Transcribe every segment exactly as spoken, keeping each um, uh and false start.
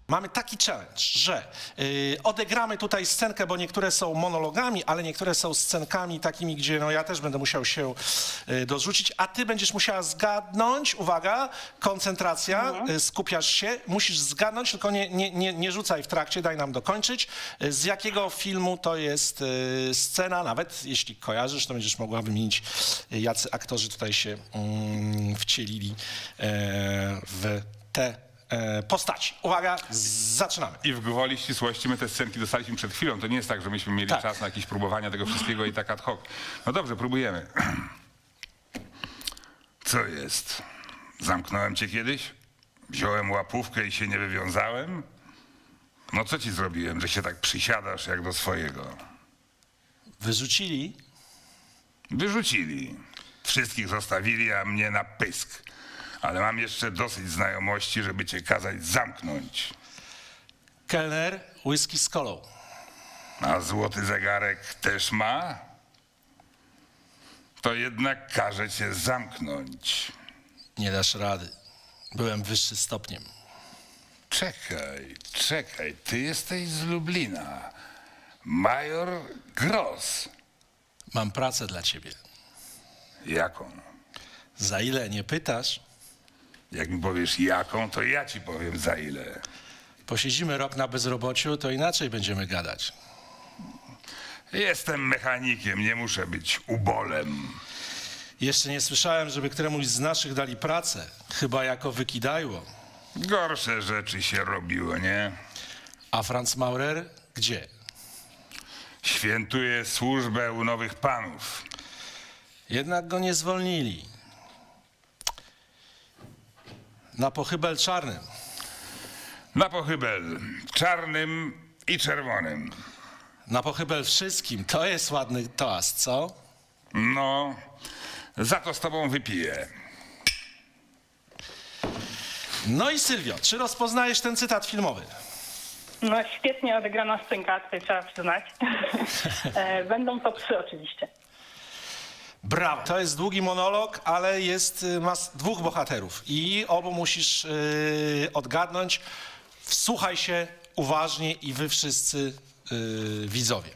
Mamy taki challenge, że y, odegramy tutaj scenkę, bo niektóre są monologami, ale niektóre są scenkami takimi, gdzie no, ja też będę musiał się y, dorzucić, a ty będziesz musiała zgadnąć, uwaga, koncentracja, Mhm. y, skupiasz się, musisz zgadnąć, tylko nie, nie, nie, nie rzucaj w trakcie, daj nam dokończyć, y, z jakiego filmu to jest y, scena, nawet jeśli kojarzysz, to będziesz mogła wymienić, y, jacy aktorzy tutaj się mm, wcielili y, w te e, postaci. Uwaga, z- zaczynamy. I w gwoli ścisłości my te scenki dostaliśmy przed chwilą. To nie jest tak, że myśmy mieli Tak. czas na jakieś próbowania tego wszystkiego i tak ad hoc. No dobrze, próbujemy. Co jest? Zamknąłem cię kiedyś? Wziąłem łapówkę i się nie wywiązałem? No co ci zrobiłem, że się tak przysiadasz jak do swojego? Wyrzucili. Wyrzucili. Wszystkich zostawili, a mnie na pysk. Ale mam jeszcze dosyć znajomości, żeby cię kazać zamknąć. Kelner, whisky z kolą. A złoty zegarek też ma? To jednak każe cię zamknąć. Nie dasz rady. Byłem wyższy stopniem. Czekaj, czekaj, ty jesteś z Lublina. Major Gross. Mam pracę dla ciebie. Jaką? Za ile nie pytasz? Jak mi powiesz jaką, to ja ci powiem za ile. Posiedzimy rok na bezrobociu, to inaczej będziemy gadać. Jestem mechanikiem, nie muszę być ubolem. Jeszcze nie słyszałem, żeby któremuś z naszych dali pracę. Chyba jako wykidajło. Gorsze rzeczy się robiło, nie? A Franz Maurer gdzie? Świętuje służbę u nowych panów. Jednak go nie zwolnili. Na pochybel czarnym. Na pochybel czarnym i czerwonym. Na pochybel wszystkim. To jest ładny toast, co? No, za to z tobą wypiję. No i Sylwio, czy rozpoznajesz ten cytat filmowy? No świetnie odegrana scenka, tutaj trzeba przyznać. E, Będą to psy oczywiście. Brawo. To jest długi monolog, ale jest, y, ma s- dwóch bohaterów i obu musisz y, odgadnąć. Wsłuchaj się uważnie i wy wszyscy y, widzowie.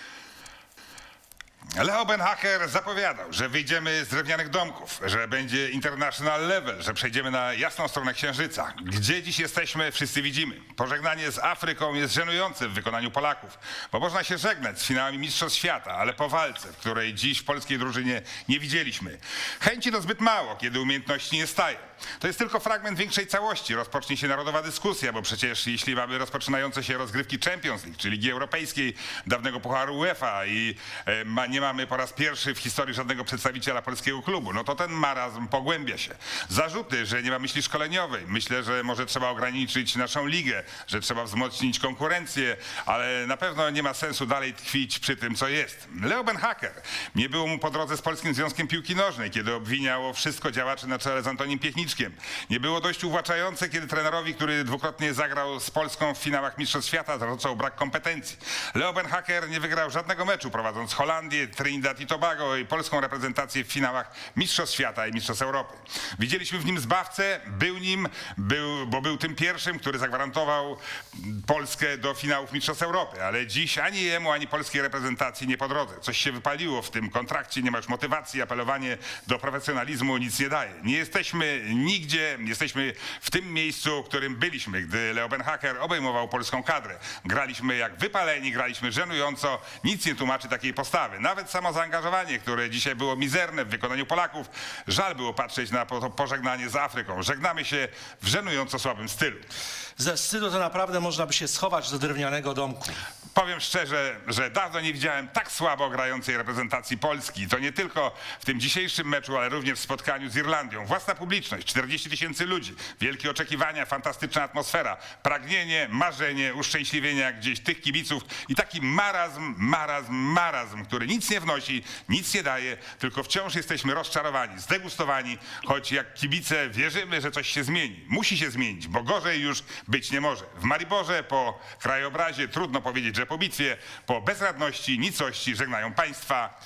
Leo Benhacker zapowiadał, że wyjdziemy z drewnianych domków, że będzie international level, że przejdziemy na jasną stronę Księżyca. Gdzie dziś jesteśmy, wszyscy widzimy. Pożegnanie z Afryką jest żenujące w wykonaniu Polaków, bo można się żegnać z finałami Mistrzostw Świata, ale po walce, w której dziś w polskiej drużynie nie widzieliśmy. Chęci to zbyt mało, kiedy umiejętności nie staje. To jest tylko fragment większej całości. Rozpocznie się narodowa dyskusja, bo przecież jeśli mamy rozpoczynające się rozgrywki Champions League, czy Ligi Europejskiej, dawnego Pucharu UEFA i e, ma, nie mamy po raz pierwszy w historii żadnego przedstawiciela polskiego klubu, no to ten marazm pogłębia się. Zarzuty, że nie ma myśli szkoleniowej. Myślę, że może trzeba ograniczyć naszą ligę, że trzeba wzmocnić konkurencję, ale na pewno nie ma sensu dalej tkwić przy tym, co jest. Leo Benhacker. Nie było mu po drodze z Polskim Związkiem Piłki Nożnej, kiedy obwiniało wszystko działaczy na czele z Antonim Piechniczkiem. Nie było dość uwłaczające, kiedy trenerowi, który dwukrotnie zagrał z Polską w finałach Mistrzostw Świata, zarzucał brak kompetencji. Leo Benhacker nie wygrał żadnego meczu, prowadząc Holandię, Trinidad i Tobago i polską reprezentację w finałach Mistrzostw Świata i Mistrzostw Europy. Widzieliśmy w nim zbawcę, był nim, był, bo był tym pierwszym, który zagwarantował Polskę do finałów Mistrzostw Europy, ale dziś ani jemu, ani polskiej reprezentacji nie po drodze. Coś się wypaliło w tym kontrakcie, nie ma już motywacji, apelowanie do profesjonalizmu nic nie daje. Nie jesteśmy nigdzie, jesteśmy w tym miejscu, w którym byliśmy, gdy Leo Benhacker obejmował polską kadrę. Graliśmy jak wypaleni, graliśmy żenująco, nic nie tłumaczy takiej postawy. Nawet samo zaangażowanie, które dzisiaj było mizerne w wykonaniu Polaków, żal było patrzeć na po- pożegnanie z Afryką. Żegnamy się w żenująco słabym stylu. Ze wstydu to naprawdę można by się schować do drewnianego domku. Powiem szczerze, że dawno nie widziałem tak słabo grającej reprezentacji Polski. To nie tylko w tym dzisiejszym meczu, ale również w spotkaniu z Irlandią. Własna publiczność, czterdzieści tysięcy ludzi, wielkie oczekiwania, fantastyczna atmosfera, pragnienie, marzenie, uszczęśliwienia jak gdzieś tych kibiców i taki marazm, marazm, marazm, który nic nie wnosi, nic nie daje, tylko wciąż jesteśmy rozczarowani, zdegustowani, choć jak kibice wierzymy, że coś się zmieni. Musi się zmienić, bo gorzej już być nie może. W Mariborze po krajobrazie trudno powiedzieć, że po bitwie, po bezradności, nicości żegnają państwa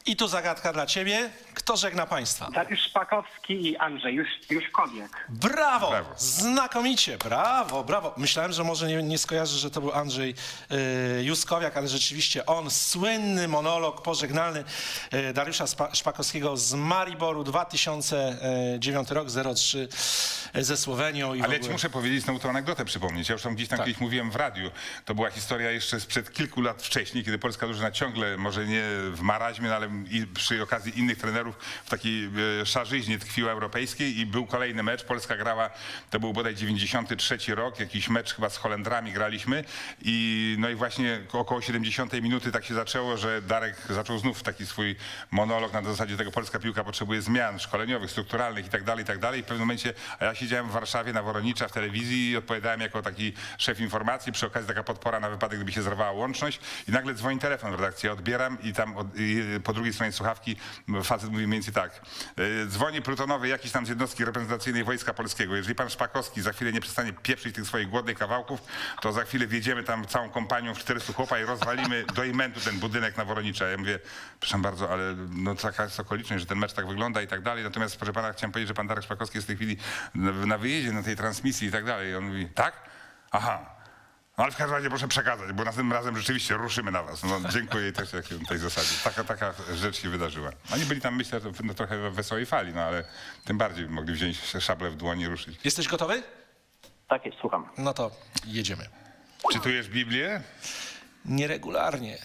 I tu zagadka dla ciebie. Kto żegna państwa? Dariusz Szpakowski i Andrzej Już, Juszkowiak. Brawo! Brawo. Znakomicie, brawo, brawo. Myślałem, że może nie, nie skojarzy, że to był Andrzej y, Juskowiak, ale rzeczywiście on, słynny monolog pożegnalny y, Dariusza Spa, Szpakowskiego z Mariboru, dwa tysiące dziewiąty rok, zero trzy ze Słowenią. I w Ale ja ogóle... ci muszę powiedzieć znowu tą anegdotę przypomnieć. Ja już tam gdzieś tam Tak. kiedyś mówiłem w radiu. To była historia jeszcze sprzed kilku lat wcześniej, kiedy polska drużyna ciągle, może nie w maraźmie, no ale i przy okazji innych trenerów w takiej e, szarzyźnie tkwiła europejskiej i był kolejny mecz. Polska grała, to był bodaj dziewięćdziesiąty trzeci rok, jakiś mecz chyba z Holendrami graliśmy i no i właśnie około siedemdziesiątej minuty tak się zaczęło, że Darek zaczął znów taki swój monolog na zasadzie tego, polska piłka potrzebuje zmian szkoleniowych, strukturalnych i tak dalej, i tak dalej. I w pewnym momencie, a ja siedziałem w Warszawie na Woronicza w telewizji i odpowiadałem jako taki szef informacji, przy okazji taka podpora na wypadek, gdyby się zerwała łączność i nagle dzwoni telefon w redakcji, ja odbieram i tam od, i po drugiej stronie słuchawki facet mówi mniej więcej tak. y, Dzwoni plutonowy jakiś tam z jednostki reprezentacyjnej Wojska Polskiego. Jeżeli pan Szpakowski za chwilę nie przestanie pieprzyć tych swoich głodnych kawałków, to za chwilę wjedziemy tam całą kompanią w czterystu chłopa i rozwalimy do imentu ten budynek na Woronicza. Ja mówię, proszę bardzo, ale no taka jest okoliczność, że ten mecz tak wygląda i tak dalej. Natomiast proszę pana, chciałem powiedzieć, że pan Darek Szpakowski jest w tej chwili na, na wyjeździe, na tej transmisji i tak dalej. I on mówi, tak? Aha. No ale w każdym razie proszę przekazać, bo następnym razem rzeczywiście ruszymy na was. No, dziękuję też jak w tej zasadzie. Taka, taka rzecz się wydarzyła. Oni byli tam, myślę, no, trochę w wesołej fali, no ale tym bardziej mogli wziąć szablę w dłoni i ruszyć. Jesteś gotowy? Tak jest, słucham. No to jedziemy. Czytujesz Biblię? Nieregularnie.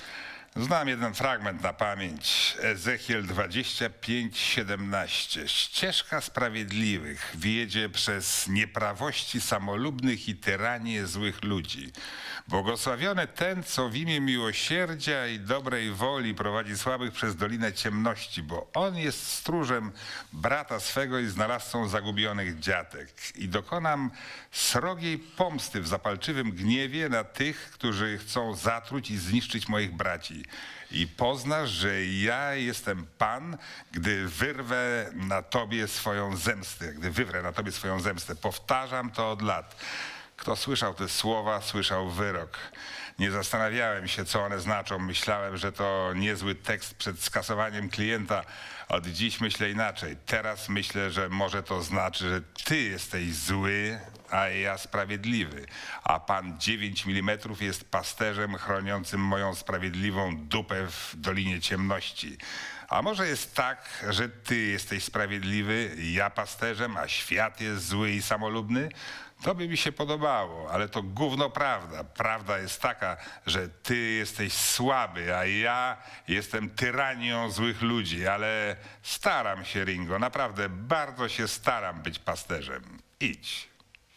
Znam jeden fragment na pamięć. Ezechiel dwadzieścia pięć siedemnaście. Ścieżka sprawiedliwych wiedzie przez nieprawości samolubnych i tyranię złych ludzi. Błogosławiony ten, co w imię miłosierdzia i dobrej woli prowadzi słabych przez dolinę ciemności, bo on jest stróżem brata swego i znalazcą zagubionych dziatek. I dokonam srogiej pomsty w zapalczywym gniewie na tych, którzy chcą zatruć i zniszczyć moich braci. I poznasz, że ja jestem Pan, gdy wyrwę na tobie swoją zemstę, gdy wywrę na tobie swoją zemstę. Powtarzam to od lat. Kto słyszał te słowa, słyszał wyrok. Nie zastanawiałem się, co one znaczą. Myślałem, że to niezły tekst przed skasowaniem klienta. Od dziś myślę inaczej. Teraz myślę, że może to znaczy, że ty jesteś zły, a ja sprawiedliwy. A Pan dziewięć milimetrów jest pasterzem chroniącym moją sprawiedliwą dupę w Dolinie Ciemności. A może jest tak, że ty jesteś sprawiedliwy, ja pasterzem, a świat jest zły i samolubny? To by mi się podobało, ale to gówno prawda. Prawda jest taka, że ty jesteś słaby, a ja jestem tyranią złych ludzi, ale staram się, Ringo, naprawdę bardzo się staram być pasterzem. Idź.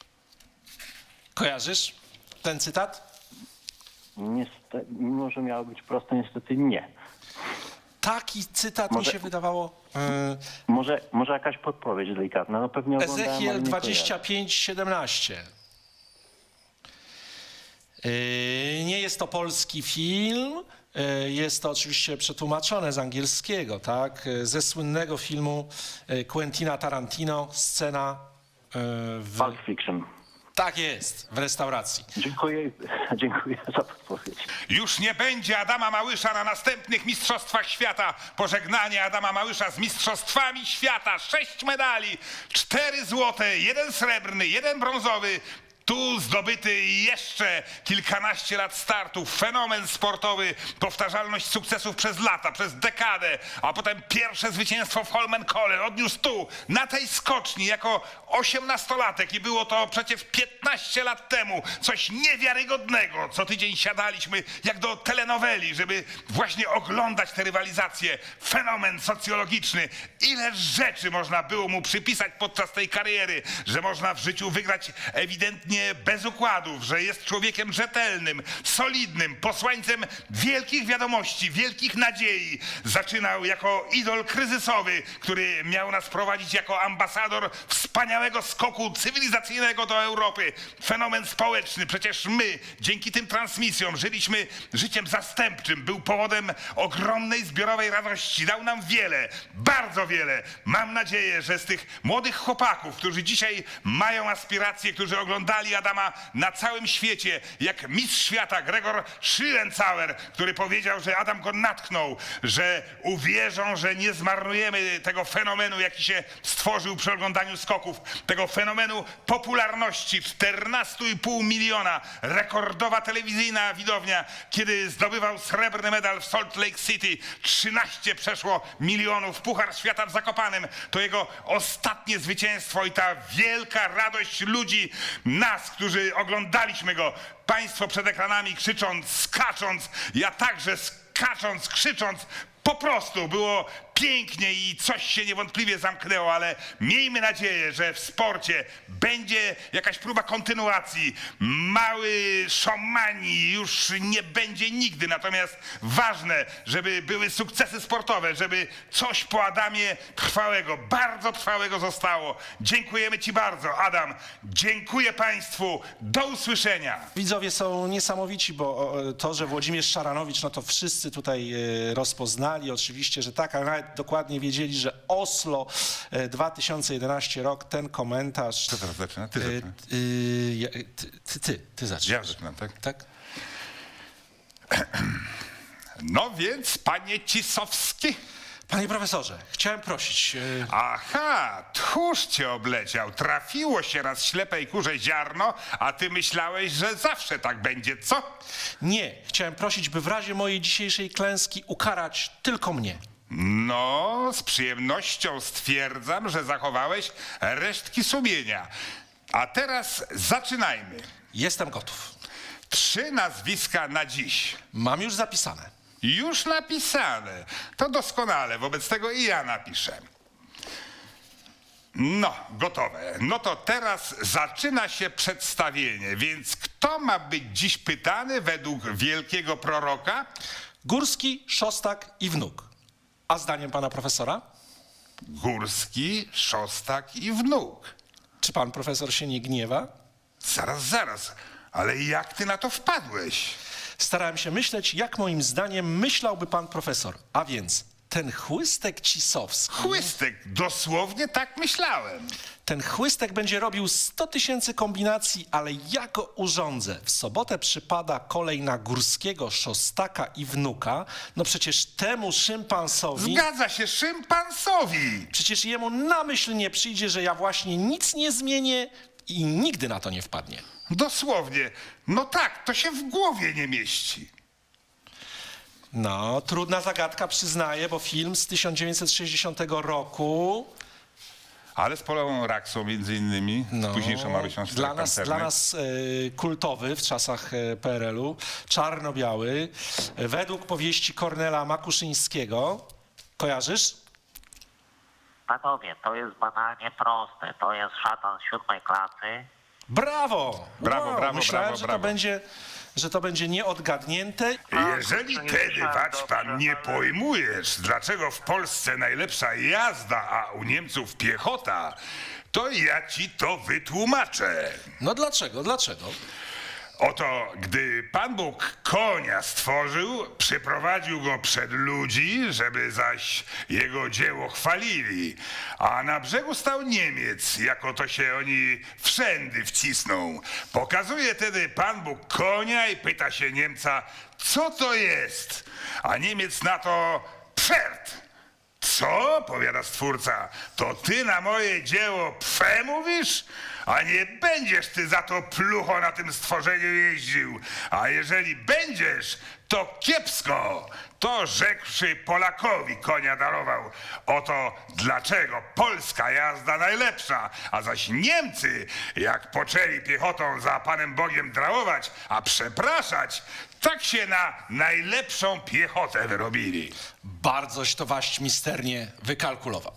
Kojarzysz ten cytat? Niestety, mimo że miało być prosto, niestety nie. Taki cytat mi Może- się wydawało. y, Może, może jakaś podpowiedź delikatna, no pewnie oglądałem, ale Ezechiel nie dwadzieścia kojarzę. pięć siedemnaście. Yy, Nie jest to polski film, yy, jest to oczywiście przetłumaczone z angielskiego, tak? Yy, Ze słynnego filmu yy, Quentina Tarantino, scena yy, w... Pulp Fiction. Tak jest, w restauracji. Dziękuję, dziękuję za podpowiedź. Już nie będzie Adama Małysza na następnych Mistrzostwach Świata. Pożegnanie Adama Małysza z Mistrzostwami Świata. Sześć medali, cztery złote, jeden srebrny, jeden brązowy. Tu zdobyty jeszcze kilkanaście lat startów, fenomen sportowy, powtarzalność sukcesów przez lata, przez dekadę, a potem pierwsze zwycięstwo w Holmenkollen odniósł tu, na tej skoczni, jako osiemnastolatek i było to przecież piętnaście lat temu, coś niewiarygodnego. Co tydzień siadaliśmy jak do telenoweli, żeby właśnie oglądać te rywalizacje. Fenomen socjologiczny. Ile rzeczy można było mu przypisać podczas tej kariery, że można w życiu wygrać ewidentnie bez układów, że jest człowiekiem rzetelnym, solidnym, posłańcem wielkich wiadomości, wielkich nadziei. Zaczynał jako idol kryzysowy, który miał nas prowadzić jako ambasador wspaniałego skoku cywilizacyjnego do Europy. Fenomen społeczny. Przecież my, dzięki tym transmisjom, żyliśmy życiem zastępczym. Był powodem ogromnej zbiorowej radości. Dał nam wiele, bardzo wiele. Mam nadzieję, że z tych młodych chłopaków, którzy dzisiaj mają aspiracje, którzy oglądali znali Adama na całym świecie, jak mistrz świata Gregor Schlierenzauer, który powiedział, że Adam go natknął, że uwierzą, że nie zmarnujemy tego fenomenu, jaki się stworzył przy oglądaniu skoków, tego fenomenu popularności czternaście i pół miliona, rekordowa telewizyjna widownia, kiedy zdobywał srebrny medal w Salt Lake City, trzynaście przeszło milionów, Puchar Świata w Zakopanem, to jego ostatnie zwycięstwo i ta wielka radość ludzi, nas, którzy oglądaliśmy go, państwo przed ekranami krzycząc, skacząc, ja także skacząc, krzycząc, po prostu było pięknie i coś się niewątpliwie zamknęło, ale miejmy nadzieję, że w sporcie będzie jakaś próba kontynuacji. Mały szomani już nie będzie nigdy, natomiast ważne, żeby były sukcesy sportowe, żeby coś po Adamie trwałego, bardzo trwałego zostało. Dziękujemy Ci bardzo, Adam. Dziękuję Państwu. Do usłyszenia. Widzowie są niesamowici, bo o, to, że Włodzimierz Szaranowicz, no to wszyscy tutaj e, rozpoznali. Oczywiście, że tak, ale nawet dokładnie wiedzieli, że Oslo e, dwa tysiące jedenasty rok, ten komentarz... Kto teraz zaczyna? Ty e, zaczyna. y, ja- ty, ty, ty, ty zaczynasz. Ja zaczynam, tak? Tak? No więc, panie Cisowski. Panie profesorze, chciałem prosić... e, Aha, tchórz cię obleciał. Trafiło się raz ślepej kurze ziarno, a ty myślałeś, że zawsze tak będzie, co? Nie, chciałem prosić, by w razie mojej dzisiejszej klęski ukarać tylko mnie. No, z przyjemnością stwierdzam, że zachowałeś resztki sumienia. A teraz zaczynajmy. Jestem gotów. Trzy nazwiska na dziś. Mam już zapisane. Już napisane. To doskonale, wobec tego i ja napiszę. No, gotowe. No to teraz zaczyna się przedstawienie, więc kto ma być dziś pytany według wielkiego proroka? Górski, Szostak i Wnuk. A zdaniem pana profesora? Górski, Szostak i Wnuk. Czy pan profesor się nie gniewa? Zaraz, zaraz. Ale jak ty na to wpadłeś? Starałem się myśleć, jak moim zdaniem myślałby pan profesor. A więc ten chłystek Cisowski, Chłystek, dosłownie tak myślałem. ten chłystek będzie robił sto tysięcy kombinacji, ale ja go urządzę. W sobotę przypada kolej na Górskiego, Szostaka i Wnuka. No przecież temu szympansowi, Zgadza się, szympansowi. przecież jemu na myśl nie przyjdzie, że ja właśnie nic nie zmienię i nigdy na to nie wpadnie. Dosłownie. No tak, to się w głowie nie mieści. No, trudna zagadka, przyznaję, bo film z tysiąc dziewięćset sześćdziesiątego roku, Ale z Polą Raksą między innymi, no, z późniejszą Marysią dla nas, dla nas e, kultowy w czasach e, P R L u, czarno-biały, e, według powieści Kornela Makuszyńskiego. Kojarzysz? Panowie, to jest banalnie proste. To jest szatan z siódmej klasy. Brawo! Brawo, Wow, brawo, Myślałem, brawo, że, brawo. To będzie, że to będzie nieodgadnięte. Jeżeli tedy, wać pan, nie pojmujesz, dlaczego w Polsce najlepsza jazda, a u Niemców piechota, to ja ci to wytłumaczę. No dlaczego, dlaczego? Oto, gdy Pan Bóg konia stworzył, przyprowadził go przed ludzi, żeby zaś jego dzieło chwalili. A na brzegu stał Niemiec, jako to się oni wszędy wcisną. Pokazuje tedy Pan Bóg konia i pyta się Niemca, co to jest? A Niemiec na to, pferd. Co? Powiada stwórca. To ty na moje dzieło pfe mówisz? A nie będziesz ty za to plucho na tym stworzeniu jeździł. A jeżeli będziesz, to kiepsko. To rzekłszy Polakowi konia darował. Oto dlaczego polska jazda najlepsza, a zaś Niemcy, jak poczęli piechotą za Panem Bogiem drałować, a przepraszać, tak się na najlepszą piechotę wyrobili. Bardzoś to waść misternie wykalkulował.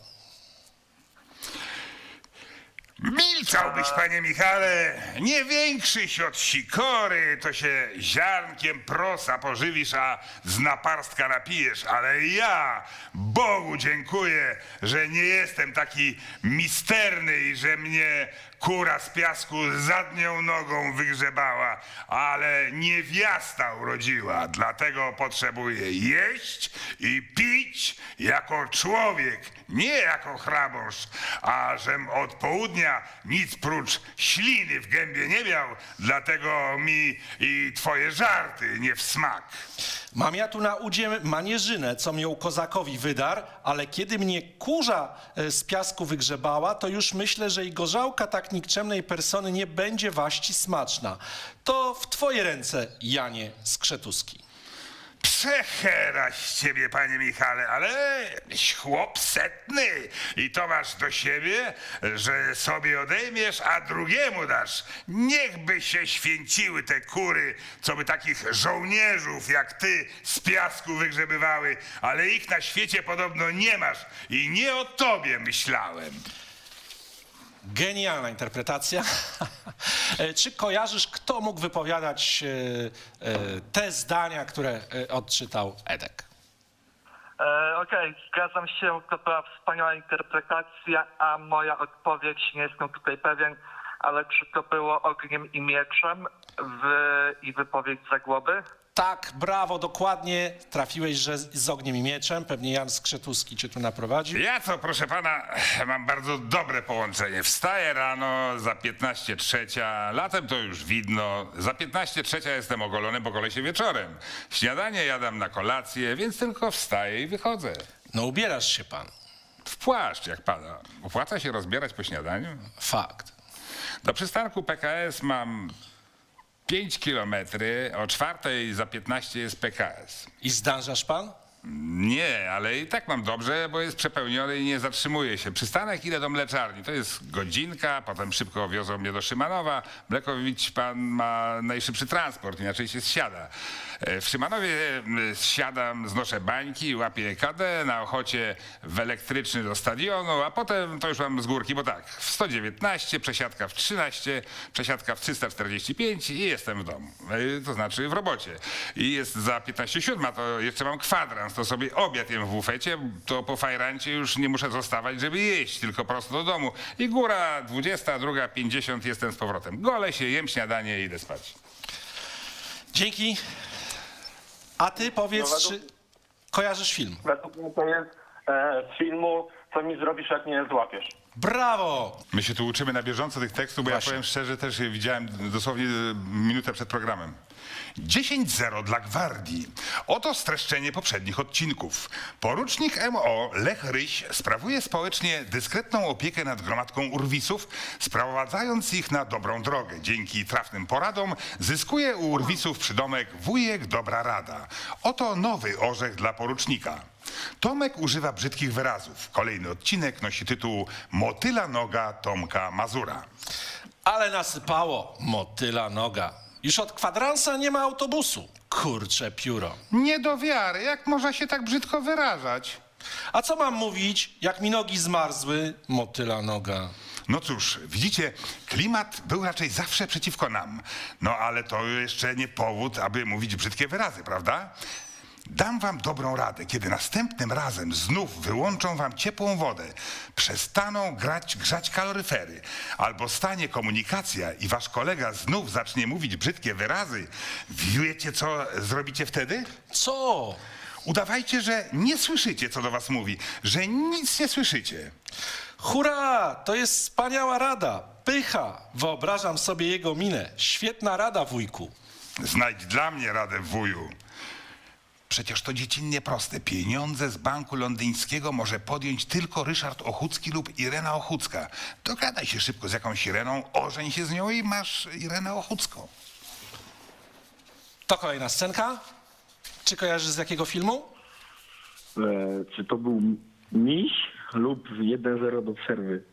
Milczałbyś, panie Michale, nie większyś od sikory, to się ziarnkiem prosa pożywisz, a z naparstka napijesz, ale ja Bogu dziękuję, że nie jestem taki misterny i że mnie kura z piasku zadnią nogą wygrzebała, ale niewiasta urodziła, dlatego potrzebuję jeść i pić jako człowiek, nie jako chrabąszcz, a żem od południa nic prócz śliny w gębie nie miał, dlatego mi i twoje żarty nie w smak. Mam ja tu na udzie manierzynę, co mię kozakowi wydar, ale kiedy mnie kurza e, z piasku wygrzebała, to już myślę, że i gorzałka tak nikczemnej persony nie będzie waści smaczna. To w twoje ręce, Janie Skrzetuski. Przechera z ciebie, panie Michale, ale chłop setny i to masz do siebie, że sobie odejmiesz, a drugiemu dasz. Niechby się święciły te kury, co by takich żołnierzów jak ty z piasku wygrzebywały, ale ich na świecie podobno nie masz i nie o tobie myślałem. Genialna interpretacja. E, Czy kojarzysz, kto mógł wypowiadać e, e, te zdania, które e, odczytał Edek? E, Okej, zgadzam się, to była wspaniała interpretacja, a moja odpowiedź, nie jestem tutaj pewien, ale czy to było ogniem i mieczem w, i wypowiedź Zagłoby? Tak, brawo, dokładnie. Trafiłeś, że z z ogniem i mieczem. Pewnie Jan Skrzetuski cię tu naprowadził. Ja co, proszę pana, mam bardzo dobre połączenie. Wstaję rano, za piętnaście trzecia, latem to już widno, za piętnaście trzecia jestem ogolony, bo golę się wieczorem. Śniadanie jadam na kolację, więc tylko wstaję i wychodzę. No ubierasz się pan. W płaszcz, jak pada. Opłaca się rozbierać po śniadaniu? Fakt. Do przystanku P K S mam pięć kilometry, o czwartej za piętnaście jest P K S. I zdążasz pan? Nie, ale i tak mam dobrze, bo jest przepełniony i nie zatrzymuje się. Przystanek idę do mleczarni, to jest godzinka, potem szybko wiozą mnie do Szymanowa. Mlekowicz pan ma najszybszy transport, inaczej się zsiada. E, W Szymanowie m, zsiadam, znoszę bańki, łapię K D, na Ochocie w elektryczny do stadionu, a potem to już mam z górki, bo tak, w sto dziewiętnaście, przesiadka w trzynaście, przesiadka w trzysta czterdzieści pięć i jestem w domu, e, to znaczy w robocie. I jest za piętnaście siódma, to jeszcze mam kwadrans, to sobie obiad jem w bufecie, to po fajrancie już nie muszę zostawać, żeby jeść, tylko prosto do domu. I góra dwudziesta druga pięćdziesiąt jestem z powrotem. Golę się, jem śniadanie i idę spać. Dzięki. A ty powiedz, No, czy według- kojarzysz film? Według mnie to jest e, z filmu Co mi zrobisz, jak mnie złapiesz. Brawo! My się tu uczymy na bieżąco tych tekstów, bo Właśnie. ja powiem szczerze, też je widziałem dosłownie e, minutę przed programem. dziesięć zero dla Gwardii. Oto streszczenie poprzednich odcinków. Porucznik M O Lech Ryś sprawuje społecznie dyskretną opiekę nad gromadką urwisów, sprowadzając ich na dobrą drogę. Dzięki trafnym poradom zyskuje u urwisów przydomek wujek dobra rada. Oto nowy orzech dla porucznika. Tomek używa brzydkich wyrazów. Kolejny odcinek nosi tytuł Motyla noga Tomka Mazura. Ale nasypało, motyla noga. Już od kwadransa nie ma autobusu. Kurcze pióro. Nie do wiary, jak można się tak brzydko wyrażać? A co mam mówić, jak mi nogi zmarzły? Motyla noga. No cóż, widzicie, klimat był raczej zawsze przeciwko nam. No ale to jeszcze nie powód, aby mówić brzydkie wyrazy, prawda? Dam wam dobrą radę, kiedy następnym razem znów wyłączą wam ciepłą wodę, przestaną grać, grzać kaloryfery, albo stanie komunikacja i wasz kolega znów zacznie mówić brzydkie wyrazy, wiecie co zrobicie wtedy? Co? Udawajcie, że nie słyszycie, co do was mówi, że nic nie słyszycie. Hurra! To jest wspaniała rada. Pycha. Wyobrażam sobie jego minę. Świetna rada, wujku. Znajdź dla mnie radę, wuju. Przecież to dziecinnie proste. Pieniądze z banku londyńskiego może podjąć tylko Ryszard Ochucki lub Irena Ochucka. Dogadaj się szybko z jakąś Ireną, ożeń się z nią i masz Irenę Ochucką. To kolejna scenka. Czy kojarzysz z jakiego filmu? E, czy to był miś lub jeden zero do przerwy?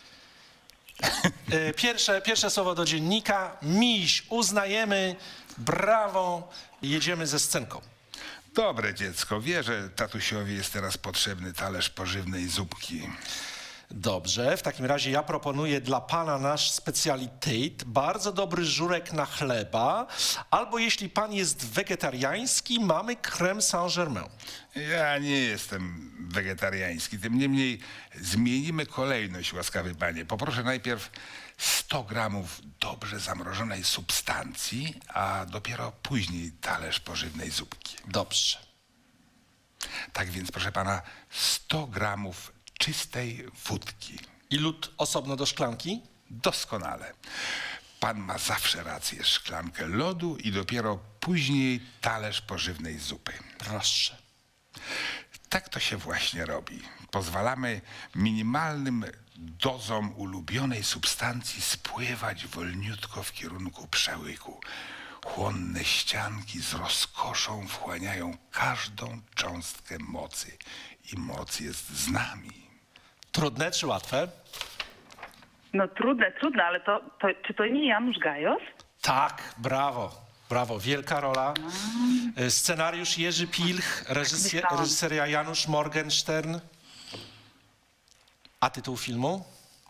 Y, Pierwsze, pierwsze słowo do dziennika. Miś. Uznajemy. Brawo. Jedziemy ze scenką. Dobre dziecko, wie, że tatusiowi jest teraz potrzebny talerz pożywnej zupki. Dobrze, w takim razie ja proponuję dla pana nasz specjalitet, bardzo dobry żurek na chleba, albo jeśli pan jest wegetariański, mamy crème Saint-Germain. Ja nie jestem wegetariański, tym niemniej zmienimy kolejność, łaskawy panie. Poproszę najpierw sto gramów dobrze zamrożonej substancji, a dopiero później talerz pożywnej zupki. Dobrze. Tak więc, proszę pana, sto gramów czystej wódki. I lód osobno do szklanki? Doskonale. Pan ma zawsze rację. Szklankę lodu i dopiero później talerz pożywnej zupy. Proszę. Tak to się właśnie robi. Pozwalamy minimalnym dozom ulubionej substancji spływać wolniutko w kierunku przełyku. Chłonne ścianki z rozkoszą wchłaniają każdą cząstkę mocy. I moc jest z nami. Trudne czy łatwe? No trudne, trudne, ale to, to czy to nie Janusz Gajos? Tak, brawo. Brawo, wielka rola. Y, Scenariusz Jerzy Pilch, reżyser, myślałam. reżyseria Janusz Morgenstern. A tytuł filmu?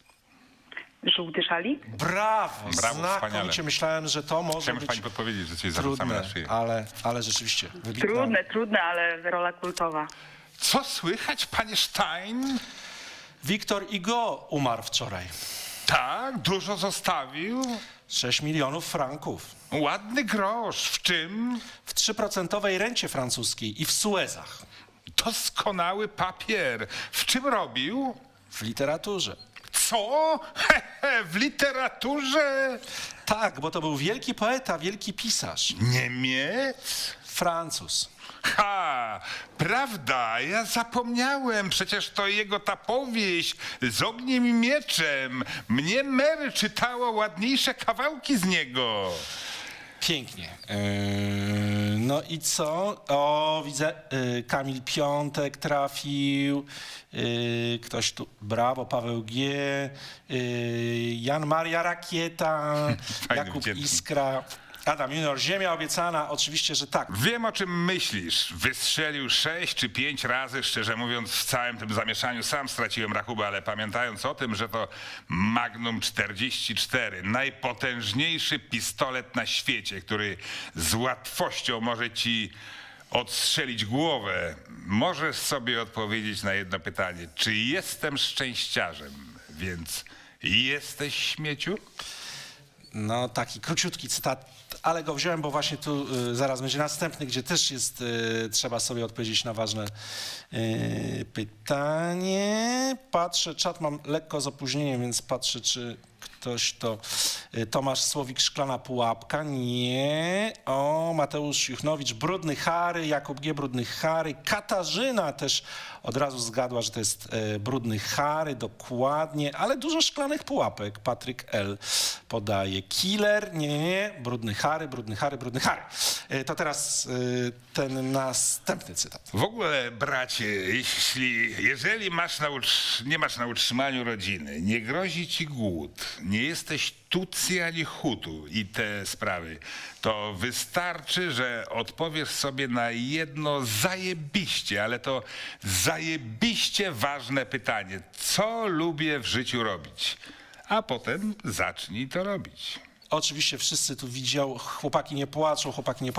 Żółty szalik? Brawo, Brawo, znakomicie. wspaniale. Myślałem, że to może Chciałem być pani podpowiedzieć, że coś zarzucamy trudne, na szyję. ale, ale rzeczywiście wybitna. Trudne, trudne, ale rola kultowa. Co słychać, panie Stein? Wiktor Hugo umarł wczoraj. Tak, dużo zostawił. sześć milionów franków. Ładny grosz. W czym? W trzyprocentowej rencie francuskiej i w Suezach. Doskonały papier. W czym robił? W literaturze. Co? Hehe, w literaturze? Tak, bo to był wielki poeta, wielki pisarz. Niemiec? Francuz. Ha, prawda, ja zapomniałem, przecież to jego ta powieść z ogniem i mieczem. Mnie Mary czytała ładniejsze kawałki z niego. Pięknie. Yy, no i co? O, widzę, yy, Kamil Piątek trafił. Yy, ktoś tu, brawo, Paweł G. Yy, Jan Maria Rakieta. Fajny, Jakub wdzięczny. Iskra. Adam Junior, Ziemia obiecana, oczywiście, że tak. Wiem, o czym myślisz. Wystrzelił sześć czy pięć razy, szczerze mówiąc, w całym tym zamieszaniu sam straciłem rachubę, ale pamiętając o tym, że to Magnum czterdzieści cztery, najpotężniejszy pistolet na świecie, który z łatwością może ci odstrzelić głowę, możesz sobie odpowiedzieć na jedno pytanie. Czy jestem szczęściarzem? Więc jesteś, śmieciu? No, taki króciutki cytat, ale go wziąłem, bo właśnie tu y, zaraz będzie następny, gdzie też jest, y, trzeba sobie odpowiedzieć na ważne y, pytanie. Patrzę, czat mam lekko z opóźnieniem, więc patrzę, czy ktoś to... Y, Tomasz Słowik, Szklana Pułapka, nie. O, Mateusz Juchnowicz, Brudny Harry, Jakub G, Brudny Harry. Katarzyna też od razu zgadła, że to jest y, Brudny Harry, dokładnie, ale dużo Szklanych Pułapek. Patryk L podaje. Killer, nie, nie, nie, Brudny Harry, Brudny Harry, Brudny Harry. Y, to teraz y, ten następny cytat. W ogóle, bracie, jeśli, jeżeli masz na utrz- nie masz na utrzymaniu rodziny, nie grozi ci głód, nie jesteś Tutsi ani Hutu i te sprawy, to wystarczy, że odpowiesz sobie na jedno zajebiście, ale to zajebiście ważne pytanie. Co lubię w życiu robić? A potem zacznij to robić. Oczywiście wszyscy tu widział, chłopaki nie płaczą, chłopaki nie